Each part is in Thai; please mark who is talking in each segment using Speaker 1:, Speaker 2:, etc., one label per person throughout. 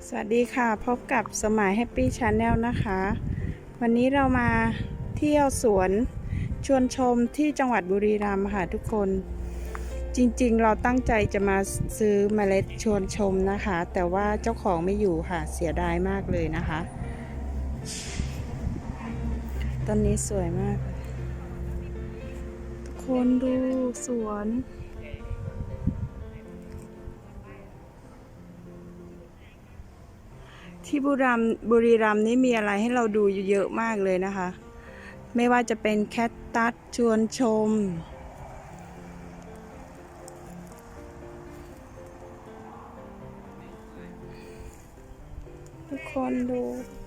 Speaker 1: สวัสดีค่ะพบกับสมัยแฮปปี้ชาแนลนะคะ วันนี้เรามาเที่ยวสวนชวนชมที่จังหวัดบุรีรัมย์ค่ะทุกคนจริงๆเราตั้งใจจะมาซื้อเมล็ดชวนชมนะคะ แต่ว่าเจ้าของไม่อยู่ค่ะเสียดายมากเลยนะคะต้นนี้สวยมากทุกคนดูสวนที่บุรีรัมย์นี่มีอะไรให้เราดูเยอะมากเลยนะคะไม่ว่าจะเป็นแคคตัสชวนชมทุกคนดู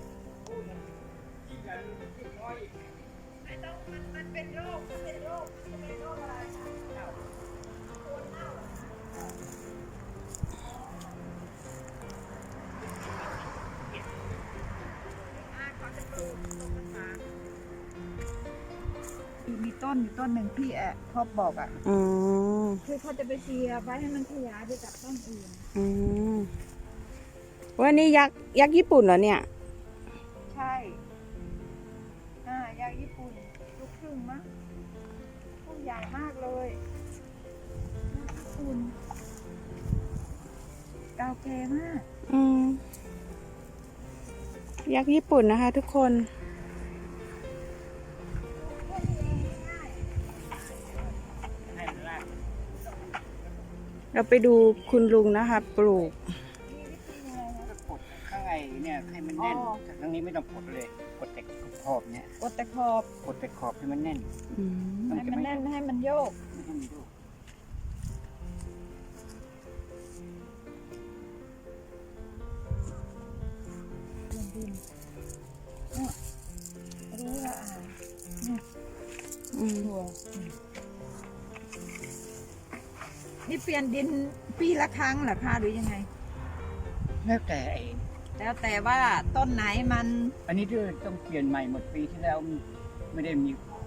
Speaker 2: มีต้นอยู่ต้นหนึ่งพี่พ่อบอกอ่ะ
Speaker 1: อ๋อ
Speaker 2: คือเขาจะไปเสียไว้ให้มันขยายไปกับต้นอื่น
Speaker 1: อืมว่านี่ยักษ์ญี่ปุ่นเหรอเนี่ย
Speaker 2: ใช่ยางญี่ปุ่นลูกครึ่งมั้งต้นใหญ่มากเลยญี่ปุ่นเก่าแก่มาก
Speaker 1: อืมยักษ์ญี่ปุ่นนะคะทุกคนเราไปดูคุณลุงนะคะปลูก
Speaker 3: ก็กดข้างในเนี่ยให้มันแน่นแต่ครั้งนี้ไม่ต้องกดเลยกดแต่ขอบเนี่ย
Speaker 2: กดแต่ขอบ
Speaker 3: กดแต่ขอบให้มันแน่น
Speaker 1: อืม
Speaker 2: ให้มันแน่นให้มันโยก
Speaker 3: ไม่ให้มันโยก
Speaker 2: ดินรู้ละ
Speaker 1: อืม
Speaker 2: ถั่วนี่เปลี่ยนดินปีละครั้งเหรอคะหรือยังไง
Speaker 3: แล้วแต่
Speaker 2: แล้วแต่ว่าต้นไหนมัน
Speaker 3: อันนี้ต้องเปลี่ยนใหม่หมดปีที่แล้วไม่ได้มี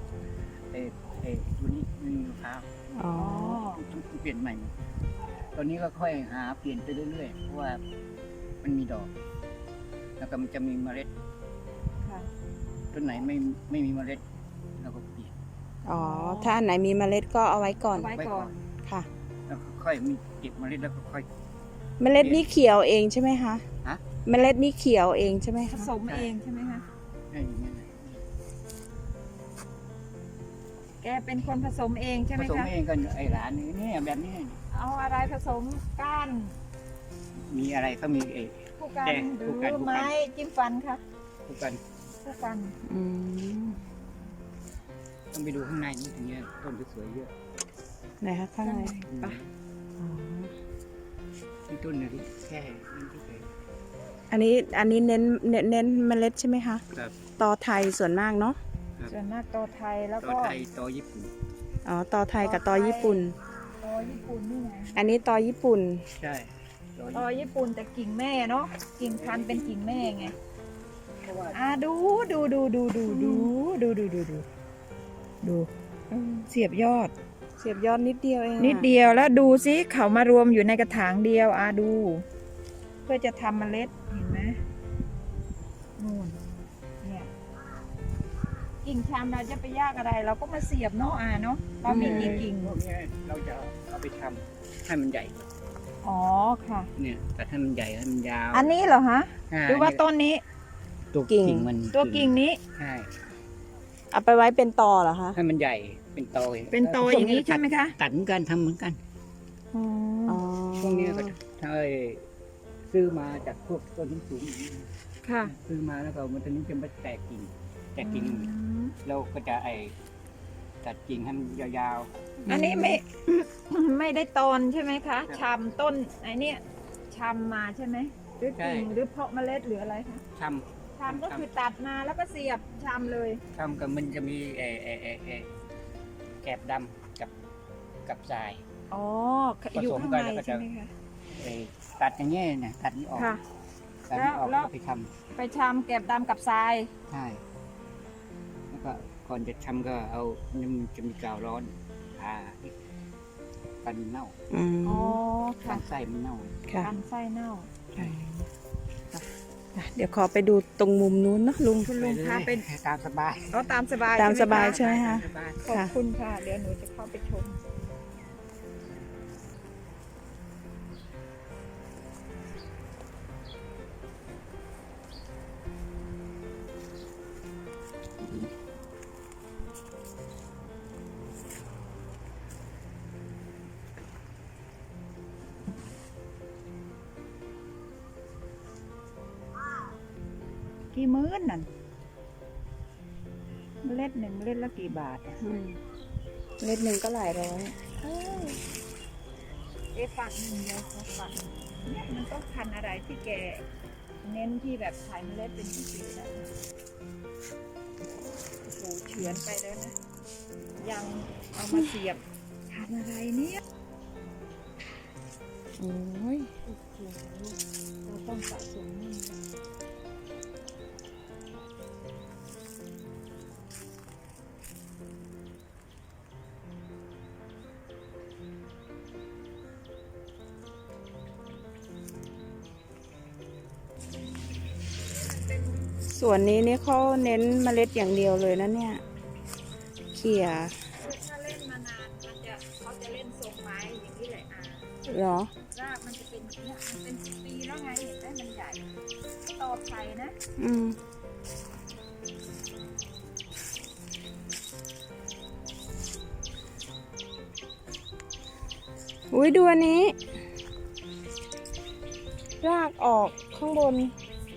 Speaker 3: ตัวนี้มีมะพร้าว
Speaker 1: อ๋อ
Speaker 3: ต้องเปลี่ยนใหม่หมดตอนนี้ก็ค่อยหาเปลี่ยนไปเรื่อยๆเพราะว่ามันมีดอก แล้วก็มันจะมีเมล็ด
Speaker 2: ค่ะ
Speaker 3: ต้นไหนไม่มีเมล็ดเราก็เปลี่ยน
Speaker 1: อ๋อถ้าอันไหนมีเมล็ดก็เอาไว้ก่อน
Speaker 2: ไว้ก่อน
Speaker 1: ค่ะ
Speaker 3: แล้วก็ค่อยมีเก็บเมล็ดแล้วก็ค่อย
Speaker 1: เมล็ดนี่เขียวเองใช่ไหมคะ
Speaker 3: ฮะ
Speaker 1: เมล็ดนี่เขียวเองใช่ไหม
Speaker 2: ผ
Speaker 1: คะ
Speaker 2: สมเองใช่ไหมคะ
Speaker 3: ได้อย่างนี้นะ
Speaker 2: แกเป็นคนผสมเองใช่ไห
Speaker 3: ผม สม
Speaker 2: คะ
Speaker 3: เองกันไอ้ร้านนี้เนี่ยแบบนี้
Speaker 2: เอาอะไรผสมก้าน
Speaker 3: มีอะไรก็มี
Speaker 2: ผู้กัน
Speaker 3: แกง
Speaker 2: หรื
Speaker 3: ผู้กัน
Speaker 2: อไม้จิ้มฟันคะ
Speaker 3: ทุกกัน
Speaker 2: ผู้กัน
Speaker 1: อืม
Speaker 3: ต้องไปดูข้างในนี่ถึงเนี้ยต้นสวยๆเยอะ
Speaker 1: ไหนคะข้างใน
Speaker 3: อืม
Speaker 1: ปะอ๋อ
Speaker 3: ที่ต้นเนี่ยที่แค่นี่ที่เคย
Speaker 1: อันนี้เน้นเมล็ดใช่ไหมคะ
Speaker 3: ครับ
Speaker 1: ตอไทยส่วนมากเนาะ
Speaker 2: ส่วนมากตอไทยแล้ว
Speaker 3: ต่อ
Speaker 2: ก็
Speaker 3: ไทยต่อญี่ปุ่น
Speaker 1: อ๋อตอไทยกับตอญี่ปุ่น
Speaker 2: ตอญี่ปุ่นนี่ไง
Speaker 1: อันนี้ตอญี่ปุ่น
Speaker 3: ใช่ต่อ
Speaker 2: ตอญี่ปุ่นแต่กิ่งแม่เนาะกิ่งพันธุ์เป็นกิ่งแม่ไง
Speaker 3: เพราะว่า
Speaker 2: ดูเสียบยอด
Speaker 1: เสียบยอดนิดเดียวเอง
Speaker 2: นิดเดียวแล้วดูสิเขามารวมอยู่ในกระถางเดียวดู เพื่อจะทำเมล็ดเห็นไหมนู่นเนี่ยกิ่งชามเราจะไปยากอะไร เราก็มาเสียบเนาะเนาะเรามีกี่กิ่ง
Speaker 3: พวกเนี้ยเราจะเอาไปทำให้มันใหญ่
Speaker 2: อ๋อค่ะ
Speaker 3: เนี่ยแต่ให้มันใหญ่ให้มันยาว
Speaker 2: อันนี้เหรอฮะหรือว่าต้นนี้
Speaker 3: ตัวกิ่งมัน
Speaker 2: ตัวกิ่งนี้
Speaker 3: ใช่
Speaker 1: เอาไปไว้เป็นตอเหรอคะ
Speaker 3: ให้มันใหญ่เป็นตอ
Speaker 2: เป็นตออย่างนี้ใช่ไหมคะ
Speaker 3: ตัดเหมือนกันทำเหมือนกัน
Speaker 2: อ๋อ
Speaker 1: อ๋อ
Speaker 3: พวกนี้ก็ถ้าซื้อมาจากพวกต้นสูงๆ
Speaker 2: ค่ะ
Speaker 3: ซื้อมาแล้วก็มันตอนนี้จะมาแตกกิ่งเราก็จะตัดกิ่งให้มันยาว
Speaker 2: อันนี้ไม่ ไม่ได้ตอนใช่ไหมคะชำต้นไอ้เนี่ยชำมาใช่ไหมหรือกิ่งหรือเพาะเมล็ดหรืออะไรคะ
Speaker 3: ๆช
Speaker 2: ชำก็คือตัดมาแล้วก็เสียบชำเลย
Speaker 3: ำกับมันจะมีแกบดำกับทราย
Speaker 2: อ๋อ
Speaker 3: ผสม
Speaker 2: อยู่ข้าง
Speaker 3: กัน
Speaker 2: ใน
Speaker 3: แล้วก็จะ
Speaker 2: ใช่ไหมคะ
Speaker 3: ตัดอย่างเงี้ยเนี่ยตัดนี้ออก
Speaker 2: ค่ะ
Speaker 3: ตัดนี้ออก
Speaker 2: แล้ว
Speaker 3: ก็ไปท
Speaker 2: ไปชำเก็บดำกับทราย
Speaker 3: ำใช่แล้วก็ก่อนจะทำก็เอามันจะมีกาวร้อนกันเน่า
Speaker 1: อืม
Speaker 2: อ๋อ
Speaker 3: กั
Speaker 2: ค่ะ
Speaker 3: นไส้มันเน่า
Speaker 1: ค่ะ
Speaker 2: กันไส้เน่า
Speaker 1: ค่ะเดี๋ยวขอไปดูตรงมุมนู้นเนาะลุง
Speaker 2: คุณลุงพาไป
Speaker 3: ตามสบาย
Speaker 2: เอาตามสบาย
Speaker 1: ตามสบาย
Speaker 2: ใช่
Speaker 1: ใช่
Speaker 2: ไห
Speaker 1: ไห
Speaker 2: ม
Speaker 1: ม
Speaker 2: คะ
Speaker 1: คะ
Speaker 3: สบาย
Speaker 2: ขอบคุณค่ะ เดี๋ยวหนูจะเข้าไปชม กี่มื้อนั่นเมล็ดหนึ่งเมล็ดละกี่บาทอะ
Speaker 1: อืมเม็ดหนึ่งก็หลายร้อย
Speaker 2: ฝักหนึ่งเดียวเขาฝักเนี่ยมันต้องพันธุ์อะไรที่แกเน้นที่แบบขายเมล็ดเป็นปีๆแล้วโอ้โหเฉือนไปแล้วนะ ยังเอามาเสียบพันธุ์อะไรเนี่ย
Speaker 1: โอ้ย
Speaker 2: โอ้โหเราต้องสะสมนี่
Speaker 1: ส่วนนี้นี่เขาเน้นเมล็ดอย่างเดียวเลยนะเนี่ยเขี่ย
Speaker 2: ถ้าเล่นมานานเขาจะเล่นทรงไม้อย่างนี้เลย
Speaker 1: เหรอ
Speaker 2: รากมันจะเป็นอย่างเนี่ยมันเป็นปีแล้วไงเห็นไหมมันใหญ่ต่อไผ่นะ
Speaker 1: อืมอุ้ยดูอันนี้ รากออกข้างบน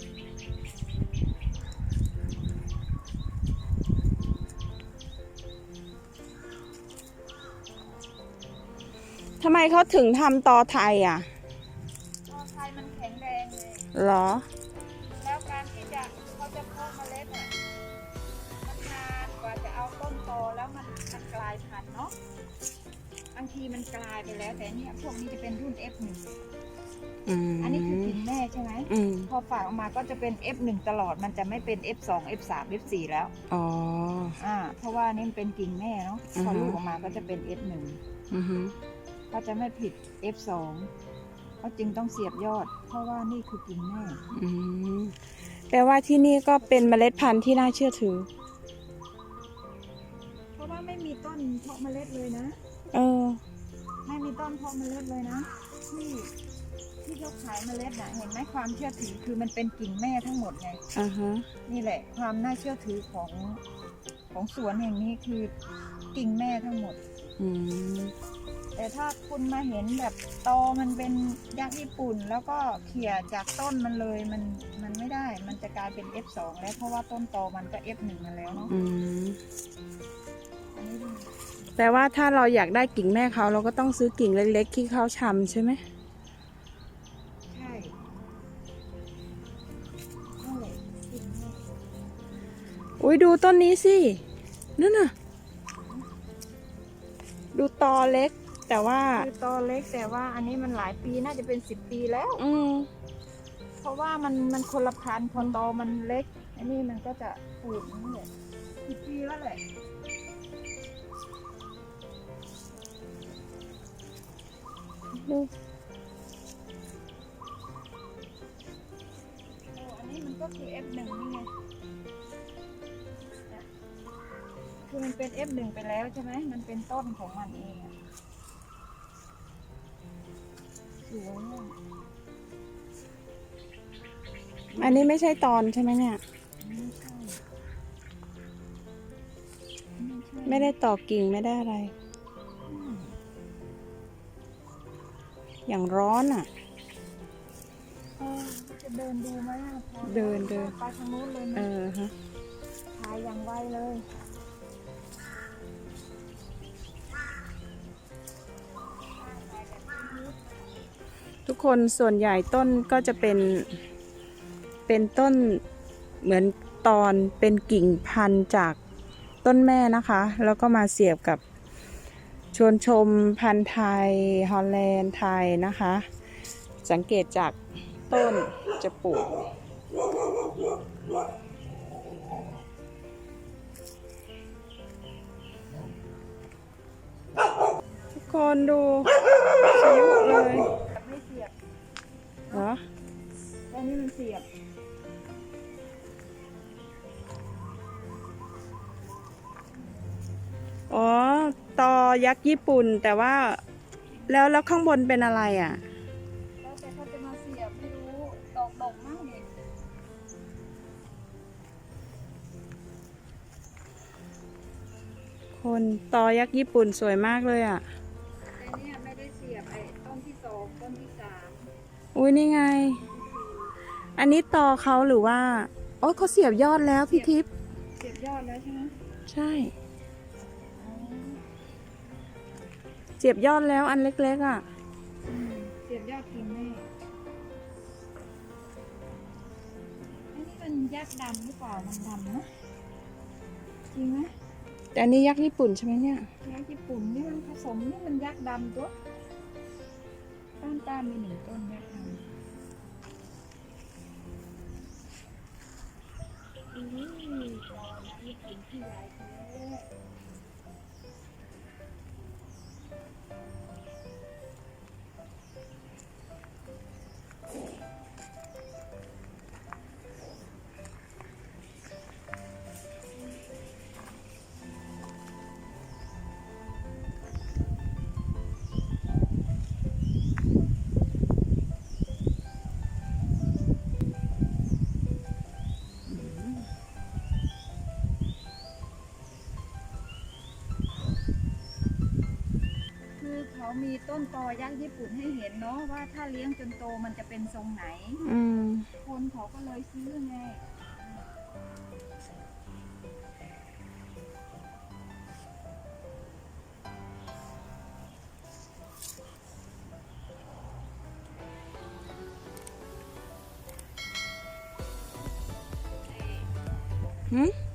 Speaker 1: ทำไมเขาถึงทำตอไทยอ่ะ
Speaker 2: ต่อไผ่มันแข็งแรงเลย
Speaker 1: เหรอ
Speaker 2: แล้วการที่เขาจะเพาะเมล็ดอ่ะมันนานกว่าจะเอาต้นโตแล้วมันกลายพันธุ์เนาะบางทีมันกลายไปแล้วแต่เนี่ยพวกนี้จะเป็นรุ่น F1
Speaker 1: อืม
Speaker 2: อันนี้คือกิ่งแม่ใช่ไหม
Speaker 1: อืม
Speaker 2: พอฝากออกมาก็จะเป็น F1 ตลอดมันจะไม่เป็น F2 F3 F4 แล้ว
Speaker 1: อ๋อ
Speaker 2: เพราะว่านี่มันเป็นกิ่งแม่เนาะ
Speaker 1: อือ
Speaker 2: พ
Speaker 1: ฮึ
Speaker 2: อลูกออกมาก็จะเป็น F1
Speaker 1: อือฮึ
Speaker 2: ก็จะไม่ผิด F2 เขาจึงต้องเสียบยอด เพราะว่านี่คือกิ่งแม่
Speaker 1: อืมแปลว่าที่นี่ก็เป็นเมล็ดพันธุ์ที่น่าเชื่อถือ
Speaker 2: เพราะว่าไม่มีต้นเพาะเมล็ดเลยนะ
Speaker 1: เออ
Speaker 2: ไม่มีต้นเพาะเมล็ดเลยนะ ที่เขาขายเมล็ดน่ะเห็นไหมความเชื่อถือคือมันเป็นกิ่งแม่ทั้งหมดไง
Speaker 1: อ่าฮะ
Speaker 2: นี่แหละความน่าเชื่อถือของสวนแห่งนี้คือกิ่งแม่ทั้งหมด
Speaker 1: อืม
Speaker 2: แต่ถ้าคุณมาเห็นแบบตอมันเป็นยักษ์ญี่ปุ่น แล้วก็เขี่ยจากต้นมันเลยมันไม่ได้ มันจะกลายเป็น F2 แล้วเพราะว่าต้นตอมันก็ F1 มาแล้วเนาะ
Speaker 1: อืม
Speaker 2: อันนี้ดู
Speaker 1: แปลว่าถ้าเราอยากได้กิ่งแม่เขาเราก็ต้องซื้อกิ่งเล็กๆที่เขาชำใช่ไหม
Speaker 2: ใช่นั่นแหละกิ่งแม่
Speaker 1: อุ้ยดูต้นนี้สินั่นน่ะ ดูตอเล็ก แต่ว่า
Speaker 2: คือตอเล็กแต่ว่าอันนี้มันหลายปีน่าจะเป็น10 ปีแล้ว
Speaker 1: อืม
Speaker 2: เพราะว่ามันคนละพันธุ์พอตอมันเล็ก อันนี้มันก็จะปูดนี่แหละ10 ปีแล้วแหละ
Speaker 1: ดู
Speaker 2: อันนี้มันก็คือ F1 นี่ไงเนี่ยคือมันเป็น F1 ไปแล้วใช่ไหมมันเป็นต้นของมันเองอะสวยอะ
Speaker 1: อันนี้ไม่ใช่ตอนใช่ไหมเนี่ย
Speaker 2: ไม่ใช่ไม่ใช่
Speaker 1: ไม่ได้ต่อกิ่งไม่ได้อะไร อย่างร้อนอ่ะ
Speaker 2: จะเดินดูไหมอะพอ
Speaker 1: เดิน
Speaker 2: ไปทางนู้นเลยไหม
Speaker 1: เออฮะ
Speaker 2: ถ่ายอย่างไวเลย
Speaker 1: ทุกคนส่วนใหญ่ต้นก็จะเป็นต้นเหมือนตอนเป็นกิ่งพันธุ์จากต้นแม่นะคะ แล้วก็มาเสียบกับชวนชมพันธุ์ไทยฮอลแลนด์ไทยนะคะ สังเกตจากต้นจะปลูกทุกคนดูชิวเลย
Speaker 2: ไม่เสียบ
Speaker 1: เหรอ
Speaker 2: แต่นี่มันเสียบ
Speaker 1: ตอยักษ์ญี่ปุ่น แต่ว่าแล้วข้างบนเป็นอะไรอ่ะ
Speaker 2: แล้วแต่เขาจะมาเสียบไม่รู้ดอกมากเลย
Speaker 1: คนตอยักษ์ญี่ปุ่นสวยมากเลยอ่ะ
Speaker 2: แต่เนี่ยไม่ได้เสียบไอ้ต้นที่สองต้นที่สาม
Speaker 1: อุ้ยนี่ไง อันนี้ตอเขาหรือว่าโอ้เขาเสียบยอดแล้วพี่ทิพย์
Speaker 2: เสียบยอดแล้วใช่ไหม
Speaker 1: ใช่
Speaker 2: อ๋อ
Speaker 1: เสียบยอดแล้วอันเล็กๆอ่ะ
Speaker 2: เสียบยอดกินแม่อันนี้มันยักษ์ดำหรือเปล่ามันดำนะจริงไหม
Speaker 1: แต่อันนี้ยักษ์ญี่ปุ่นใช่ไหมเนี่ย
Speaker 2: ยักษ์ญี่ปุ่นนี่มันผสมนี่มันยักษ์ดำตัวต้านมีหนึ่งต้นยักษ์ดำตอนยักษ์ญี่ปุ่นที่ใหญ่แท้ คือเขามีต้นตอยักษ์ญี่ปุ่นให้เห็นเนาะว่าถ้าเลี้ยงจนโตมันจะเป็นทรงไหน
Speaker 1: อืม
Speaker 2: คนเขาก็เลยซื้อไง
Speaker 1: หืม